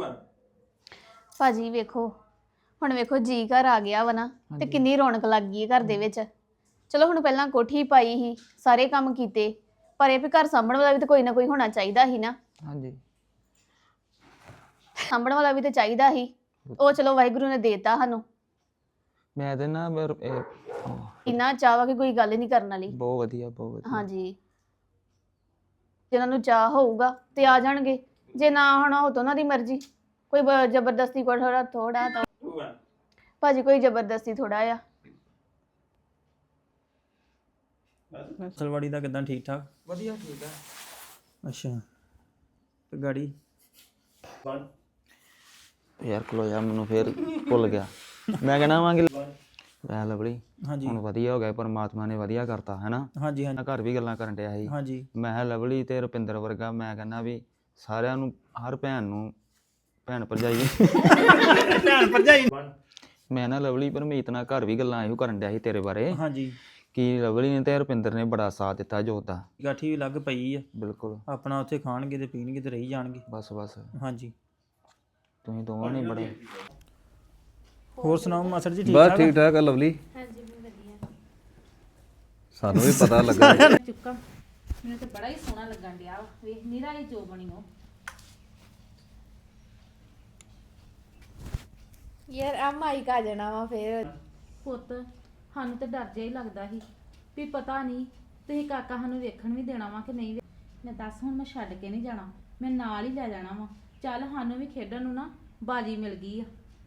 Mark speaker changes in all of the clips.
Speaker 1: ਭਾਜੀ ਵੇਖੋ ਹੁਣ ਵੇਖੋ ਜੀ ਘਰ ਆ ਗਿਆ ਵਾ ਨਾ ਤੇ ਕਿੰਨੀ ਰੌਣਕ ਲੱਗ ਗਈ ਹੈ ਘਰ ਦੇ ਵਿੱਚ। ਚਲੋ ਹੁਣ ਪਹਿਲਾਂ ਕੋਠੀ ਪਾਈ ਸੀ, ਸਾਰੇ ਕੰਮ ਕੀਤੇ, ਪਰ ਇਹ ਵੀ ਘਰ ਸਾਂਭਣ ਵਾਲਾ ਵੀ ਤਾਂ ਕੋਈ ਨਾ ਕੋਈ ਹੋਣਾ ਚਾਹੀਦਾ ਸੀ ਨਾ।
Speaker 2: ਹਾਂਜੀ
Speaker 1: ਸਾਂਭਣ ਵਾਲਾ ਵੀ ਤਾਂ ਚਾਹੀਦਾ ਸੀ। ਉਹ ਚਲੋ ਵਾਹਿਗੁਰੂ ਨੇ ਦੇਤਾ ਸਾਨੂੰ।
Speaker 2: ਮੈਂ ਤੇ ਨਾ
Speaker 1: ਇੰਨਾ ਚਾਹ ਵਾ ਕਿ ਕੋਈ ਗੱਲ ਨਹੀਂ ਕਰਨ ਵਾਲੀ।
Speaker 2: ਬਹੁਤ ਵਧੀਆ ਬਹੁਤ ਵਧੀਆ।
Speaker 1: ਹਾਂਜੀ ਜਿਨ੍ਹਾਂ ਨੂੰ ਚਾਹ ਹੋਊਗਾ ਤੇ ਆ ਜਾਣਗੇ, ਜੇ ਨਾ ਹੋਣਾ ਹੋ ਤਾਂ ਉਹਨਾਂ ਦੀ ਮਰਜ਼ੀ। ਕੋਈ ਜ਼ਬਰਦਸਤੀ ਕੋਈ ਥੋੜਾ ਤਾਂ ਭਾਜੀ ਕੋਈ ਜ਼ਬਰਦਸਤੀ ਥੋੜਾ ਆ।
Speaker 3: ਸਲਵਾੜੀ ਦਾ ਕਿਦਾਂ ਠੀਕ ਠਾਕ?
Speaker 2: ਵਧੀਆ ਠੀਕ ਆ।
Speaker 3: ਅੱਛਾ ਤੇ ਗਾੜੀ
Speaker 2: ਯਾਰ ਖਲੋ ਜਾ, ਮੈਨੂੰ ਫੇਰ ਭੁੱਲ ਗਿਆ। ਮੈਂ ਕਹਿਣਾ ਵਾਂ ਕਿ ਮੈਂ ਲਵਲੀ
Speaker 3: ਹਾਂਜੀ
Speaker 2: ਹੁਣ ਵਧੀਆ ਹੋ ਗਿਆ, ਪਰਮਾਤਮਾ ਨੇ ਵਧੀਆ ਕਰਤਾ ਹੈਨਾ।
Speaker 3: ਹਾਂਜੀ ਹਾਂਜੀ
Speaker 2: ਮੈਂ ਘਰ ਵੀ ਗੱਲਾਂ ਕਰਨ ਡਿਆ ਸੀ।
Speaker 3: ਹਾਂਜੀ
Speaker 2: ਮੈਂ ਕਿਹਾ ਲਵਲੀ ਤੇ ਰੁਪਿੰਦਰ ਵਰਗਾ, ਮੈਂ ਕਹਿੰਦਾ ਵੀ ਸਾਰਿਆਂ ਨੂੰ, ਹਰ ਭੈਣ ਨੂੰ ਭੈਣ ਭਰਜਾਈ ਮੈਂ ਨਾ ਲਵਲੀ ਪਰਮੀਤ ਨਾਲ ਘਰ ਵੀ ਗੱਲਾਂ ਇਹੋ ਕਰਨ ਡਿਆ ਸੀ ਤੇਰੇ ਬਾਰੇ,
Speaker 3: ਹਾਂਜੀ
Speaker 2: ਕਿ ਲਵਲੀ ਨੇ ਤੇ ਰੁਪਿੰਦਰ ਨੇ ਬੜਾ ਸਾਥ ਦਿੱਤਾ ਜੋਤ ਦਾ।
Speaker 3: ਗਾਠੀ ਵੀ ਲੱਗ ਪਈ ਆ,
Speaker 2: ਬਿਲਕੁਲ
Speaker 3: ਆਪਣਾ ਉੱਥੇ ਖਾਣਗੇ ਤੇ ਪੀਣਗੇ ਤੇ ਰਹੀ ਜਾਣਗੇ।
Speaker 2: ਬਸ ਬਸ
Speaker 3: ਹਾਂਜੀ
Speaker 2: ਤੁਸੀਂ ਦੋਵਾਂ ਨੇ ਬੜਾ।
Speaker 3: ਹੋਰ ਸੁਣਾਓ ਮਾਸਟਰ ਜੀ ਠੀਕ
Speaker 4: ਬਸ
Speaker 3: ਠਾਕ?
Speaker 4: ਠੀਕ ਠਾਕ ਆ ਲਵਲੀ। ਹਾਂਜੀ ਵਧੀਆ। ਸਾਨੂੰ ਵੀ ਪਤਾ ਲੱਗਾ
Speaker 5: ਚੁੱਕਾ ਮੈਨੂੰ ਤਾਂ ਬੜਾ ਹੀ ਸੋਹਣਾ ਲੱਗਣ ਡਿਆ ਵਾ। ਵੇਖ ਨੀਰਾ ਹੀ ਜੋ ਬਣੀ ਉਹ।
Speaker 6: ਯਾਰ ਆ ਮਾਈਕ ਆ ਜਾਣਾ ਵਾ ਫੇਰ।
Speaker 5: ਪੁੱਤ ਸਾਨੂੰ ਤਾਂ ਡਰ ਜਿਹਾ ਹੀ ਲੱਗਦਾ ਸੀ ਵੀ ਪਤਾ ਨਹੀਂ ਤੁਸੀਂ ਕਾਕਾ ਸਾਨੂੰ ਵੇਖਣ ਵੀ ਦੇਣਾ ਵਾ ਕਿ ਨਹੀਂ ਮੈਂ ਦੱਸ ਹੁਣ ਮੈਂ ਛੱਡ ਕੇ ਨਹੀਂ ਜਾਣਾ, ਮੈਂ ਨਾਲ ਹੀ ਲੈ ਜਾਣਾ ਵਾ। ਚੱਲ ਸਾਨੂੰ ਵੀ ਖੇਡਣ ਨੂੰ ਨਾ ਬਾਜੀ ਮਿਲ ਗਈ ਆ।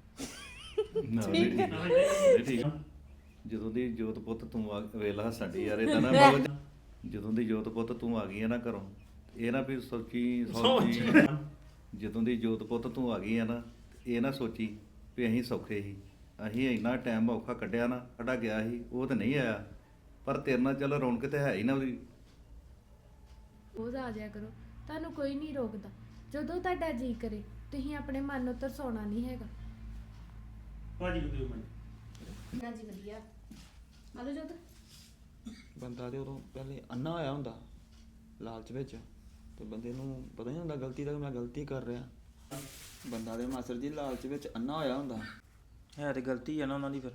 Speaker 4: ਠੀਕ ਜਦੋਂ ਦੀ ਜੋਤ ਪੁੱਤ ਤੂੰ ਆ ਵੇਲਾ ਸਾਡੀ ਯਾਰ ਇਦਾਂ ਨਾ ਬੋਲ। ਜਦੋਂ ਦੀ ਜੋਤ ਪੁੱਤ ਤੂੰ ਆ ਗਈ ਹੈ ਨਾ ਘਰੋਂ, ਇਹ ਨਾ ਵੀ ਸੋਚੀ ਜਦੋਂ ਦੀ ਜੋਤ ਪੁੱਤ ਤੂੰ ਆ ਗਈ ਹੈ ਨਾ, ਇਹ ਨਾ ਸੋਚੀ ਵੀ ਅਸੀਂ ਸੌਖੇ ਸੀ। ਅਸੀਂ ਇੰਨਾ ਟਾਈਮ ਔਖਾ ਕੱਢਿਆ ਨਾ, ਸਾਡਾ ਗਿਆ ਸੀ ਉਹ ਤਾਂ ਨਹੀਂ ਆਇਆ, ਪਰ ਤੇਰੇ ਨਾਲ ਚੱਲ ਰੌਣਕ ਤੇ ਹੈ ਹੀ ਨਾ ਉਹਦੀ।
Speaker 6: ਰੋਜ਼ ਆ ਜਾਇਆ ਕਰੋ, ਤੁਹਾਨੂੰ ਕੋਈ ਨਹੀਂ ਰੋਕਦਾ। ਜਦੋਂ ਤੁਹਾਡਾ ਜੀ ਕਰੇ ਤੁਸੀਂ ਆਪਣੇ ਮਨ ਨੂੰ ਤਰਸਾਉਣਾ ਨਹੀਂ ਹੈਗਾ।
Speaker 1: ਹਾਂਜੀ ਵਧੀਆ ਆਲੋ ਜੋਤ।
Speaker 2: ਬੰਦਾ ਤੇ ਉਦੋਂ ਪਹਿਲੇ ਅੰਨਾ ਹੋਇਆ ਹੁੰਦਾ ਲਾਲਚ ਵਿੱਚ, ਤੇ ਬੰਦੇ ਨੂੰ ਪਤਾ ਨਹੀਂ ਹੁੰਦਾ ਗਲਤੀ ਦਾ, ਮੈਂ ਗਲਤੀ ਕਰ ਰਿਹਾ। ਬੰਦਾ ਦੇ ਮਾਸਟਰ ਜੀ ਲਾਲਚ ਵਿੱਚ ਅੰਨਾ ਹੋਇਆ ਹੁੰਦਾ।
Speaker 3: ਹੈ ਤੇ ਗਲਤੀ ਆ ਨਾ ਉਹਨਾਂ ਦੀ ਫਿਰ।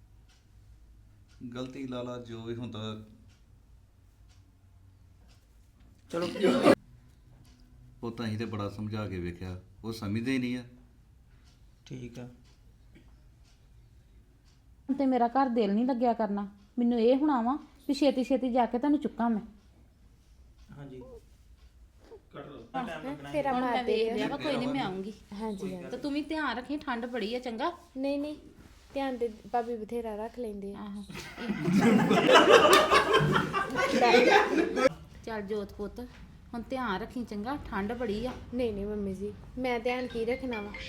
Speaker 4: ਗਲਤੀ ਲਾਲਾ ਜੋ ਵੀ ਹੁੰਦਾ
Speaker 3: ਚਲੋ
Speaker 4: ਉਹ ਤਾਂ ਅਸੀਂ ਤੇ ਬੜਾ ਸਮਝਾ ਕੇ ਵੇਖਿਆ, ਉਹ ਸਮਝਦੇ ਹੀ ਨਹੀਂ ਆ।
Speaker 3: ਠੀਕ ਆ।
Speaker 5: ਹੁਣ ਤੇ ਮੇਰਾ ਘਰ ਦਿਲ ਨਹੀਂ ਲੱਗਿਆ ਕਰਨਾ। ਮੈਨੂੰ ਇਹ ਹੋਣਾ ਵਾ ਵੀ ਛੇਤੀ ਛੇਤੀ ਜਾ ਕੇ ਤੁਹਾਨੂੰ ਚੁੱਕਾਂ ਮੈਂ।
Speaker 3: ਹਾਂਜੀ
Speaker 6: ਤੇਰਾ
Speaker 5: ਹੁਣ
Speaker 6: ਮਾਰ
Speaker 5: ਮੈਂ
Speaker 6: ਦੇ
Speaker 5: ਵੇਖ ਲਿਆ ਵਾ, ਕੋਈ ਨਹੀਂ ਮੈਂ ਆਉਂਗੀ।
Speaker 6: ਹਾਂਜੀ ਹਾਂਜੀ।
Speaker 5: ਤੇ ਤੂੰ ਵੀ ਧਿਆਨ ਰੱਖੀ, ਠੰਡ ਬੜੀ ਆ ਚੰਗਾ।
Speaker 6: ਨਹੀਂ ਨਹੀਂ ਧਿਆਨ ਤੇ ਭਾਬੀ ਬਥੇਰਾ ਰੱਖ ਲੈਂਦੇ ਆ।
Speaker 5: ਆਹੋ ਚੱਲ ਜੋਤ ਪੁੱਤ ਹੁਣ ਧਿਆਨ ਰੱਖੀ ਚੰਗਾ, ਠੰਡ ਬੜੀ ਆ।
Speaker 6: ਨਹੀਂ ਨਹੀਂ ਮੰਮੀ ਜੀ ਮੈਂ ਧਿਆਨ ਕੀ ਰੱਖਣਾ ਵਾ।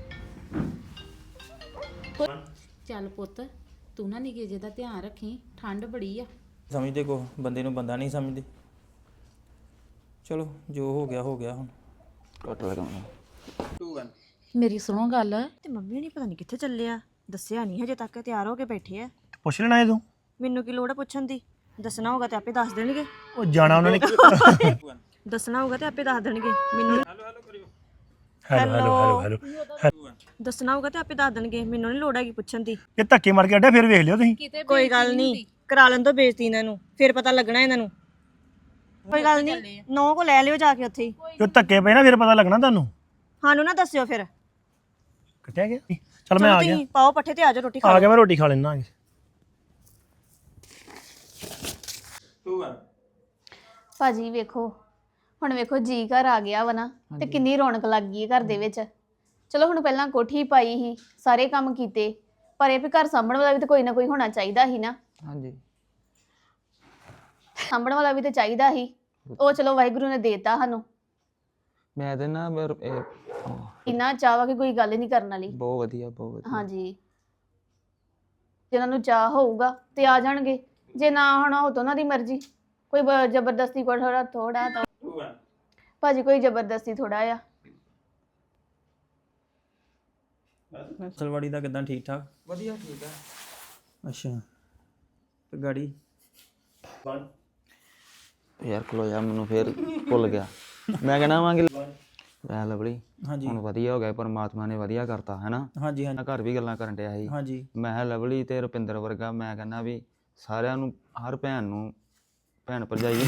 Speaker 5: ਚੱਲ ਪੁੱਤ ਤੂੰ ਨਾ ਨਿੱਕੇ ਜਿਹੇ ਦਾ ਧਿਆਨ ਰੱਖੀ, ਠੰਡ ਬੜੀ ਆ।
Speaker 3: ਸਮਝਦੇ ਕੋ ਬੰਦੇ ਨੂੰ ਬੰਦਾ ਨਹੀਂ ਸਮਝਦੇ। ਚਲੋ ਜੋ ਹੋ ਗਿਆ ਹੋ ਗਿਆ ਹੁਣ।
Speaker 2: ਕੱਟ ਲਗਾਉਣਾ।
Speaker 5: ਮੇਰੀ ਸੁਣੋ ਗੱਲ,
Speaker 7: ਤੇ ਮੰਮੀ ਨਹੀਂ ਪਤਾ ਨਹੀਂ ਕਿੱਥੇ ਚੱਲੇ ਆ, ਦੱਸਿਆ ਨਹੀਂ ਹਜੇ ਤੱਕ, ਤਿਆਰ ਹੋ ਕੇ ਬੈਠੇ ਆ।
Speaker 8: ਪੁੱਛ ਲੈਣਾ ਇਹ ਤੂੰ।
Speaker 7: ਮੈਨੂੰ ਕੀ ਲੋੜ ਆ ਪੁੱਛਣ ਦੀ, ਦੱਸਣਾ ਹੋਗਾ ਤੇ ਆਪੇ ਦੱਸ ਦੇਣਗੇ।
Speaker 8: ਉਹ ਜਾਣਾ ਉਹਨਾਂ ਨੇ।
Speaker 7: ਦੱਸਣਾ ਹੋਗਾ ਤੇ ਆਪੇ ਦੱਸ ਦੇਣਗੇ ਮੈਨੂੰ।
Speaker 8: ਹੈਲੋ
Speaker 7: ਦੱਸਣਾ ਹੋਗਾ ਤੇ ਆਪੇ ਦੱਸ ਦੇਣਗੇ, ਮੈਨੂੰ ਨਹੀਂ ਲੋੜ ਹੈਗੀ ਪੁੱਛਣ ਦੀ।
Speaker 8: ਇਹ ਧੱਕੇ ਮਾਰ ਕੇ ਅੱਡਾ ਫਿਰ ਵੇਖ ਲਿਓ ਤੁਸੀਂ।
Speaker 7: ਕੋਈ ਗੱਲ ਨਹੀਂ, ਕਰਾ ਲੈਣ ਦੋ ਬੇਇੱਜ਼ਤੀ ਇਹਨਾਂ ਨੂੰ, ਫਿਰ ਪਤਾ ਲੱਗਣਾ ਇਹਨਾਂ ਨੂੰ। ਕੋਈ ਗੱਲ ਨਹੀਂ, ਨੌ ਕੋ ਲੈ ਲਿਓ ਜਾ ਕੇ ਉੱਥੇ ਹੀ।
Speaker 8: ਜੋ ਧੱਕੇ ਪਏ ਨਾ ਫਿਰ ਪਤਾ ਲੱਗਣਾ ਤੁਹਾਨੂੰ।
Speaker 7: ਸਾਨੂੰ ਨਾ ਦੱਸਿਓ ਫਿਰ।
Speaker 8: ਕਿੱਥੇ ਗਿਆ? ਚਲ ਮੈਂ ਆ ਗਿਆ।
Speaker 7: ਤੁਸੀਂ ਪਾਓ ਪੱਠੇ ਤੇ ਆ ਜਾਓ ਰੋਟੀ ਖਾ
Speaker 8: ਆ
Speaker 7: ਲਓ।
Speaker 8: ਗਿਆ ਮੈਂ ਰੋਟੀ ਖਾ ਲੈਣਾ।
Speaker 1: ਭਾਜੀ ਵੇਖੋ ਹੁਣ ਵੇਖੋ ਜੀ ਘਰ ਆ ਗਿਆ ਵਾ ਨਾ ਤੇ ਕਿੰਨੀ ਰੌਣਕ ਲੱਗ ਗਈ ਹੈ ਘਰ ਦੇ ਵਿੱਚ। ਚਲੋ ਹੁਣ ਪਹਿਲਾਂ ਕੋਠੀ ਪਾਈ ਸੀ, ਸਾਰੇ ਕੰਮ ਕੀਤੇ, ਪਰ ਇਹ ਵੀ ਘਰ ਸਾਂਭਣ ਵਾਲਾ ਵੀ ਤਾਂ ਕੋਈ ਨਾ ਕੋਈ ਹੋਣਾ ਚਾਹੀਦਾ ਸੀ ਨਾ।
Speaker 2: ਹਾਂਜੀ
Speaker 1: ਸਾਂਭਣ ਵਾਲਾ ਵੀ ਤਾਂ ਚਾਹੀਦਾ ਸੀ। ਉਹ ਚਲੋ ਵਾਹਿਗੁਰੂ ਨੇ ਦੇਤਾ ਸਾਨੂੰ।
Speaker 2: ਮੈਂ ਤੇ ਨਾ
Speaker 1: ਇੰਨਾ ਚਾਹ ਵਾ ਕਿ ਕੋਈ ਗੱਲ ਨਹੀਂ ਕਰਨ ਵਾਲੀ।
Speaker 2: ਬਹੁਤ ਵਧੀਆ ਬਹੁਤ ਵਧੀਆ।
Speaker 1: ਹਾਂਜੀ ਜਿਨ੍ਹਾਂ ਨੂੰ ਚਾਹ ਹੋਊਗਾ ਤੇ ਆ ਜਾਣਗੇ, ਜੇ ਨਾ ਹੋਣਾ ਹੋ ਤਾਂ ਉਹਨਾਂ ਦੀ ਮਰਜ਼ੀ। ਕੋਈ ਜ਼ਬਰਦਸਤੀ ਕੋਈ ਥੋੜਾ ਤਾਂ ਭਾਜੀ ਕੋਈ ਜ਼ਬਰਦਸਤੀ ਥੋੜਾ ਆ।
Speaker 3: ਸਲਵਾੜੀ ਦਾ ਕਿਦਾਂ ਠੀਕ ਠਾਕ?
Speaker 2: ਵਧੀਆ ਠੀਕ ਆ।
Speaker 3: ਅੱਛਾ ਤੇ ਗਾੜੀ
Speaker 2: ਯਾਰ ਖਲੋ ਜਾ, ਮੈਨੂੰ ਫੇਰ ਭੁੱਲ ਗਿਆ। ਮੈਂ ਕਹਿਣਾ ਵਾਂ ਕਿ ਐ ਲਵਲੀ
Speaker 3: ਹਾਂਜੀ
Speaker 2: ਹੁਣ ਵਧੀਆ ਹੋ ਗਿਆ ਪਰਮਾਤਮਾ ਨੇ ਵਧੀਆ ਕਰਤਾ ਹੈਨਾ
Speaker 3: ਹਾਂਜੀ
Speaker 2: ਮੈਂ ਘਰ ਵੀ ਗੱਲਾਂ ਕਰਨ ਡਿਆ ਸੀ
Speaker 3: ਹਾਂਜੀ
Speaker 2: ਮੈਂ ਕਿਹਾ ਲਵਲੀ ਤੇ ਰੁਪਿੰਦਰ ਵਰਗਾ ਮੈਂ ਕਹਿੰਦਾ ਵੀ ਸਾਰਿਆਂ ਨੂੰ ਹਰ ਭੈਣ ਨੂੰ ਭੈਣ ਭਰਜਾਈ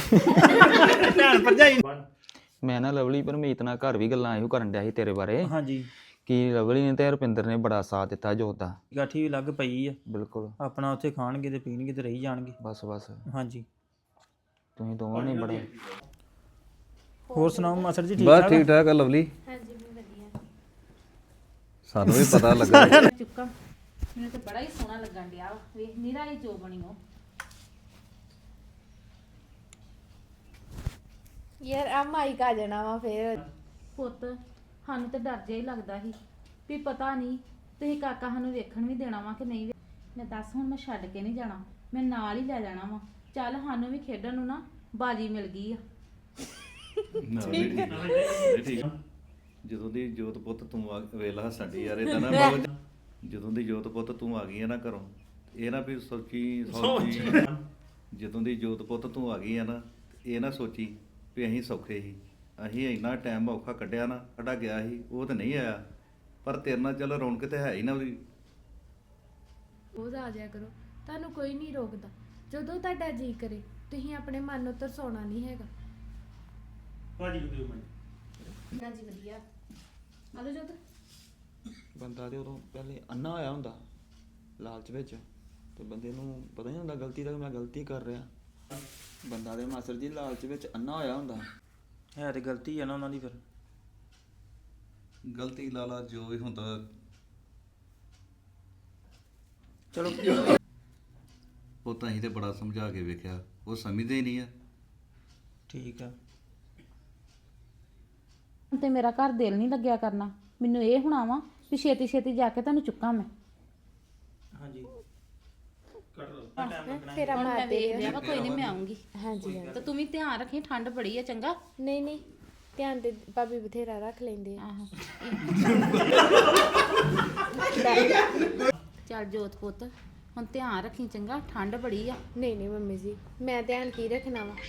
Speaker 2: ਮੈਂ ਨਾ ਲਵਲੀ ਪਰਮੀਤ ਨਾਲ ਘਰ ਵੀ ਗੱਲਾਂ ਇਹੋ ਕਰਨ ਡਿਆ ਸੀ ਤੇਰੇ ਬਾਰੇ
Speaker 3: ਹਾਂਜੀ
Speaker 2: ਕਿ ਲਵਲੀ ਨੇ ਤੇ ਰੁਪਿੰਦਰ ਨੇ ਬੜਾ ਸਾਥ ਦਿੱਤਾ ਜੋਤ ਦਾ
Speaker 3: ਗਾਠੀ ਵੀ ਲੱਗ ਪਈ ਆ
Speaker 2: ਬਿਲਕੁਲ
Speaker 3: ਆਪਣਾ ਉੱਥੇ ਖਾਣਗੇ ਤੇ ਪੀਣਗੇ ਤੇ ਰਹੀ ਜਾਣਗੇ
Speaker 2: ਬਸ
Speaker 3: ਹਾਂਜੀ
Speaker 2: ਤੁਸੀਂ ਦੋਵਾਂ ਨੇ ਬੜਾ
Speaker 3: ਹੋਰ ਸੁਣਾਓ ਮਾਸਟਰ ਜੀ ਠੀਕ
Speaker 4: ਬਸ
Speaker 3: ਠਾਕ
Speaker 4: ਠੀਕ ਠਾਕ ਆ ਲਵਲੀ
Speaker 6: ਹਾਂਜੀ ਮੈਂ ਵਧੀਆ
Speaker 4: ਸਾਨੂੰ ਵੀ ਪਤਾ ਲੱਗਾ
Speaker 5: ਚੁੱਕਾ ਮੈਨੂੰ ਤਾਂ ਬੜਾ ਹੀ ਸੋਹਣਾ ਲੱਗਣ ਡਿਆ ਵਾ। ਵੇਖ ਨਿਰਾ ਹੀ ਜੋ ਬਣੀ ਉਹ
Speaker 6: ਯਾਰ ਆ ਮਾਈਕ ਆ ਜਾਣਾ ਵਾ ਫੇਰ
Speaker 5: ਪੁੱਤ ਸਾਨੂੰ ਤਾਂ ਡਰ ਜਿਹਾ ਹੀ ਲੱਗਦਾ ਸੀ ਵੀ ਪਤਾ ਨਹੀਂ ਤੁਸੀਂ ਕਾਕਾ ਸਾਨੂੰ ਵੇਖਣ ਵੀ ਦੇਣਾ ਵਾ ਕਿ ਨਹੀਂ ਮੈਂ ਦੱਸ ਹੁਣ ਮੈਂ ਛੱਡ ਕੇ ਨਹੀਂ ਜਾਣਾ ਮੈਂ ਨਾਲ ਹੀ ਲੈ ਜਾਣਾ ਵਾ ਚੱਲ ਸਾਨੂੰ ਵੀ ਖੇਡਣ ਨੂੰ ਨਾ ਬਾਜੀ ਮਿਲ ਗਈ ਆ
Speaker 4: ਠੀਕ ਜਦੋਂ ਦੀ ਜੋਤ ਪੁੱਤ ਤੂੰ ਵੇਲਾ ਸਾਡੀ ਯਾਰ ਇਦਾਂ ਨਾ ਜਦੋਂ ਦੀ ਜੋਤ ਪੁੱਤ ਤੂੰ ਆ ਗਈ ਹੈ ਨਾ ਘਰੋਂ ਇਹ ਨਾ ਵੀ ਸੋਚੀ ਜਦੋਂ ਦੀ ਜੋਤ ਪੁੱਤ ਤੂੰ ਆ ਗਈ ਹੈ ਨਾ ਇਹ ਨਾ ਸੋਚੀ ਵੀ ਅਸੀਂ ਸੌਖੇ ਸੀ ਅਸੀਂ ਇੰਨਾ ਟਾਈਮ ਔਖਾ ਕੱਢਿਆ ਨਾ ਸਾਡਾ ਗਿਆ ਸੀ ਉਹ ਤਾਂ ਨਹੀਂ ਆਇਆ ਪਰ ਤੇਰੇ ਨਾਲ ਚੱਲ ਰੌਣਕ ਤੇ ਹੈ ਹੀ ਨਾ ਉਹਦੀ
Speaker 6: ਰੋਜ਼ ਆ ਜਾਇਆ ਕਰੋ ਤੁਹਾਨੂੰ ਕੋਈ ਨਹੀਂ ਰੋਕਦਾ ਜਦੋਂ ਤੁਹਾਡਾ ਜੀ ਕਰੇ ਤੁਸੀਂ ਆਪਣੇ ਮਨ ਨੂੰ ਤਰਸਾਉਣਾ ਨਹੀਂ ਹੈਗਾ
Speaker 1: ਹਾਂਜੀ ਵਧੀਆ ਆਲੋ ਜੋਤ
Speaker 2: ਬੰਦਾ ਤੇ ਉਦੋਂ ਪਹਿਲੇ ਅੰਨਾ ਹੋਇਆ ਹੁੰਦਾ ਲਾਲਚ ਵਿੱਚ ਤੇ ਬੰਦੇ ਨੂੰ ਪਤਾ ਨਹੀਂ ਹੁੰਦਾ ਗਲਤੀ ਦਾ ਕਿ ਮੈਂ ਗਲਤੀ ਕਰ ਰਿਹਾ ਬੰਦਾ ਦੇ ਮਾਸਟਰ ਜੀ ਲਾਲਚ ਵਿੱਚ ਅੰਨਾ ਹੋਇਆ ਹੁੰਦਾ
Speaker 3: ਹੈ ਤੇ ਗਲਤੀ ਆ ਨਾ ਉਹਨਾਂ ਦੀ ਫਿਰ
Speaker 4: ਗਲਤੀ ਲਾਲਾ ਜੋ ਵੀ ਹੁੰਦਾ
Speaker 3: ਚਲੋ
Speaker 4: ਉਹ ਤਾਂ ਅਸੀਂ ਤੇ ਬੜਾ ਸਮਝਾ ਕੇ ਵੇਖਿਆ ਉਹ ਸਮਝਦੇ ਹੀ ਨਹੀਂ ਆ
Speaker 3: ਠੀਕ ਆ
Speaker 5: ਤੇ ਮੇਰਾ ਘਰ ਦਿਲ ਨਹੀਂ ਲੱਗਿਆ ਕਰਨਾ ਮੈਨੂੰ ਇਹ ਹੋਣਾ ਵਾ ਵੀ ਛੇਤੀ ਛੇਤੀ ਜਾ ਕੇ ਤੁਹਾਨੂੰ ਚੁੱਕਾਂ ਮੈਂ
Speaker 3: ਹਾਂਜੀ
Speaker 6: ਤੇਰਾ
Speaker 5: ਹੁਣ ਮੈਂ
Speaker 6: ਮਾਰ
Speaker 5: ਵੇਖ ਲਿਆ ਵਾ ਕੋਈ ਨਹੀਂ ਮੈਂ ਆਉਂਗੀ
Speaker 6: ਹਾਂਜੀ
Speaker 5: ਤੇ ਤੂੰ ਵੀ ਧਿਆਨ ਰੱਖੀ ਠੰਡ ਬੜੀ ਆ ਚੰਗਾ
Speaker 6: ਨਹੀਂ ਨਹੀਂ ਧਿਆਨ ਤੇ ਭਾਬੀ ਬਥੇਰਾ ਰੱਖ ਲੈਂਦੇ ਆ
Speaker 5: ਆਹੋ ਚੱਲ ਜੋਤ ਪੁੱਤ ਹੁਣ ਧਿਆਨ ਰੱਖੀ ਚੰਗਾ ਠੰਡ ਬੜੀ ਆ
Speaker 6: ਨਹੀਂ ਨਹੀਂ ਮੰਮੀ ਜੀ ਮੈਂ ਧਿਆਨ ਕੀ ਰੱਖਣਾ ਵਾ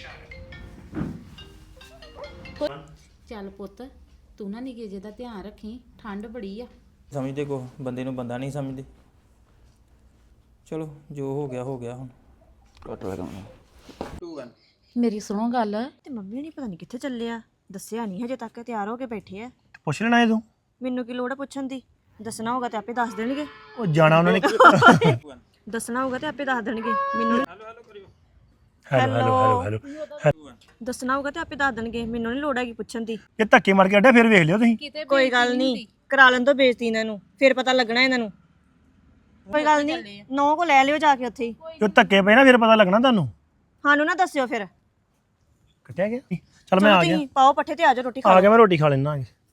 Speaker 5: ਚੱਲ ਪੁੱਤ ਤੂੰ ਨਾ ਨਿੱਕੇ ਜਿਹੇ ਦਾ ਧਿਆਨ ਰੱਖੀ ਠੰਡ ਬੜੀ ਆ
Speaker 3: ਸਮਝਦੇ ਕੋ ਬੰਦੇ ਨੂੰ ਬੰਦਾ ਨਹੀਂ ਸਮਝਦੇ ਚਲੋ ਜੋ ਹੋ ਗਿਆ ਹੁਣ
Speaker 2: ਕੱਟ ਲਗਾ
Speaker 3: 2 1
Speaker 5: ਮੇਰੀ ਸੁਣੋ ਗੱਲ
Speaker 7: ਤੇ ਮੰਮੀ ਨਹੀਂ ਪਤਾ ਨਹੀਂ ਕਿੱਥੇ ਚੱਲੇ ਆ ਦੱਸਿਆ ਨਹੀਂ ਹਜੇ ਤੱਕ ਤਿਆਰ ਹੋ ਕੇ ਬੈਠੇ ਆ
Speaker 8: ਪੁੱਛ ਲੈਣਾ ਇਹ ਤੂੰ
Speaker 7: ਮੈਨੂੰ ਕੀ ਲੋੜ ਆ ਪੁੱਛਣ ਦੀ ਦੱਸਣਾ ਹੋਗਾ ਤੇ ਆਪੇ ਦੱਸ ਦੇਣਗੇ
Speaker 8: ਉਹ ਜਾਣਾ ਉਹਨਾਂ ਨੇ
Speaker 7: ਦੱਸਣਾ ਹੋਗਾ ਤੇ ਆਪੇ ਦੱਸ ਦੇਣਗੇ ਮੈਨੂੰ
Speaker 8: ਹੈਲੋ ਹੈਲੋ
Speaker 7: ਦੱਸਣਾ ਹੋਗਾ ਤੇ ਆਪੇ ਦੱਸ ਦੇਣਗੇ ਮੈਨੂੰ ਨਹੀਂ ਲੋੜ ਹੈਗੀ ਪੁੱਛਣ ਦੀ
Speaker 8: ਇਹ ਧੱਕੇ ਮਾਰ ਕੇ ਅੱਡਾ ਫਿਰ ਵੇਖ ਲਿਓ ਤੁਸੀਂ
Speaker 7: ਕੋਈ ਗੱਲ ਨਹੀਂ ਕਰਾ ਲੈਣ ਤੋਂ ਬੇਇੱਜ਼ਤੀ ਇਹਨਾਂ ਨੂੰ ਫਿਰ ਪਤਾ ਲੱਗਣਾ ਇਹਨਾਂ ਨੂੰ ਕੋਈ ਗੱਲ ਨਹੀਂ ਨੌ ਕੋ ਲੈ ਲਿਓ ਜਾ ਕੇ ਉੱਥੇ ਹੀ
Speaker 8: ਜੋ ਧੱਕੇ ਪਏ ਨਾ ਫਿਰ ਪਤਾ ਲੱਗਣਾ ਤੁਹਾਨੂੰ
Speaker 7: ਸਾਨੂੰ ਨਾ ਦੱਸਿਓ ਫਿਰ
Speaker 8: ਕੱਟਿਆ ਗਿਆ ਚੱਲ ਮੈਂ ਆ ਗਿਆ
Speaker 7: ਤੁਸੀਂ ਪਾਓ ਪੱਠੇ ਤੇ ਆ ਜਾਓ ਰੋਟੀ ਖਾ
Speaker 8: ਆ
Speaker 7: ਲਓ
Speaker 8: ਗਿਆ ਮੈਂ ਰੋਟੀ ਖਾ ਲੈਣਾ